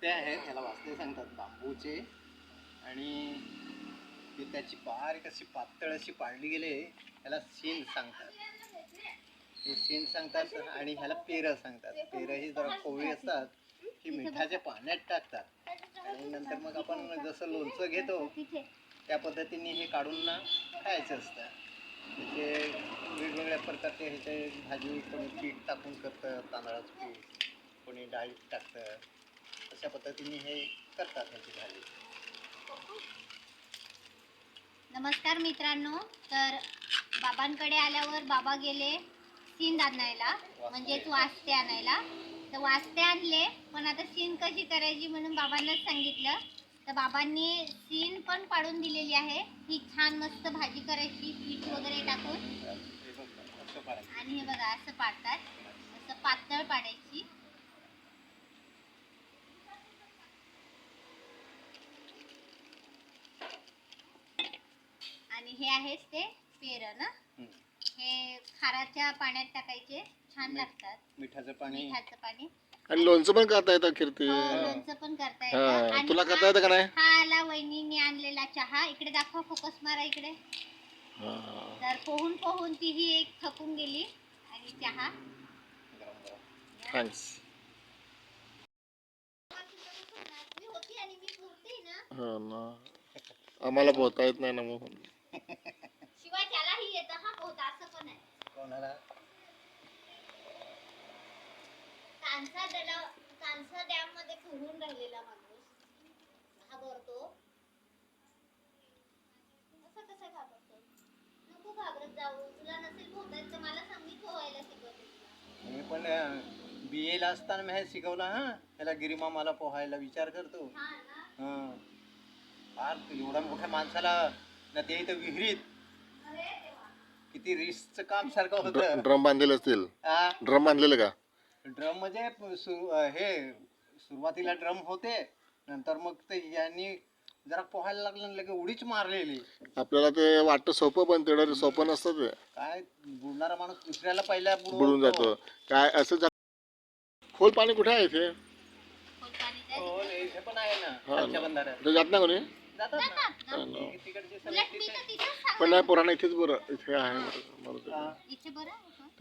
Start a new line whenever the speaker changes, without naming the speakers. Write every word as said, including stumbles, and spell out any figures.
वाजते आहेत, ह्याला वाजते सांगतात बांबूचे. आणि ती त्याची बारीक अशी पातळ अशी पाडली गेले ह्याला सीन सांगतात. हे सीन सांगतात आणि ह्याला पेरं सांगतात. पेरं ही जरा कोवळी असतात, ही मिठाच्या पाण्यात टाकतात आणि नंतर मग आपण जसं लोणचं घेतो त्या पद्धतीने हे काढून ना खायचं असतं. त्याचे वेगवेगळ्या प्रकारचे ह्याचे भाजी कोणी पीठ टाकून करतं, तांदळाचं पीठ, कोणी डाळीत टाकतं. अशा पद्धतीने हे करतात ह्याची भाजी.
नमस्कार मित्रांनो. तर बाबांकडे आल्यावर बाबा गेले सीन आणायला, म्हणजेच वास्ते आणायला. तर वास्ते आणले, पण आता सीन कशी करायची म्हणून बाबांनाच सांगितलं. तर बाबांनी सीन पण पाडून दिलेली आहे. ही छान मस्त भाजी करायची पीठ वगैरे टाकून. आणि हे बघा असं पाडतात, असं पातळ पाडायची. आणि हे आहेच ते पेरं ना, हे खाराच्या पाण्यात टाकायचे, छान लागतात.
मिठाचं पाणी,
मिठाचं पाणी.
आणि लोणचं पण करता येतं कीर्ती.
लोणचं पण करता येतं.
तुला करता येतं का नाही?
हा आला वहिनीने आणलेला चहा. इकडे दाखवा, फोकस मारा इकडे. तर पोहून पोहून तीही एक थकून गेली. आणि चहा
थँक्स.
मी होती आणि मी पोहते ना.
हो ना, आम्हाला पोहता येत नाही ना मग.
शिवाय त्यालाही येतं हा पोहता, असं पण आहे.
कोणाला?
कांसा डॅम, कांसा डॅम मध्ये पोहून राहिलेला माणूस घाबरतो. असं कसं घाबरतो? नको घाबरत जाऊ. तुला नसेल पोहता येत तर मला सांग, मी पोहायला शिकवते.
मी पण बी एला असताना मी हे शिकवलं. हा ह्याला गिरीमामाला पोहायला विचार करतो. हा फार एवढ्या मोठ्या माणसाला ना, ते इथं विहिरीत किती रिस्कचं काम सारखं होतं.
ड्रम बांधलेले असतील. ड्रम बांधलेले का?
ड्रम म्हणजे सुरु हे सुरुवातीला ड्रम होते, नंतर मग ते यांनी जरा पोहायला लागलं, लगे उडीच मारलेली.
आपल्याला ते वाटतं सोपं, पण तेवढं सोपं नसतं ते.
काय बुडणारा माणूस दुसऱ्याला पहिला
बुडून जातो काय असं. खोल पाणी कुठे आहे इथे?
हो, इथे पण आहे ना खालच्या बंधाऱ्यात.
जात ना कोणी?
जातात ना तिकडचे सगळे तिथे.
पण नाही, पुराणा इथेच बरं, इथे आहे बरं.
इथे बरं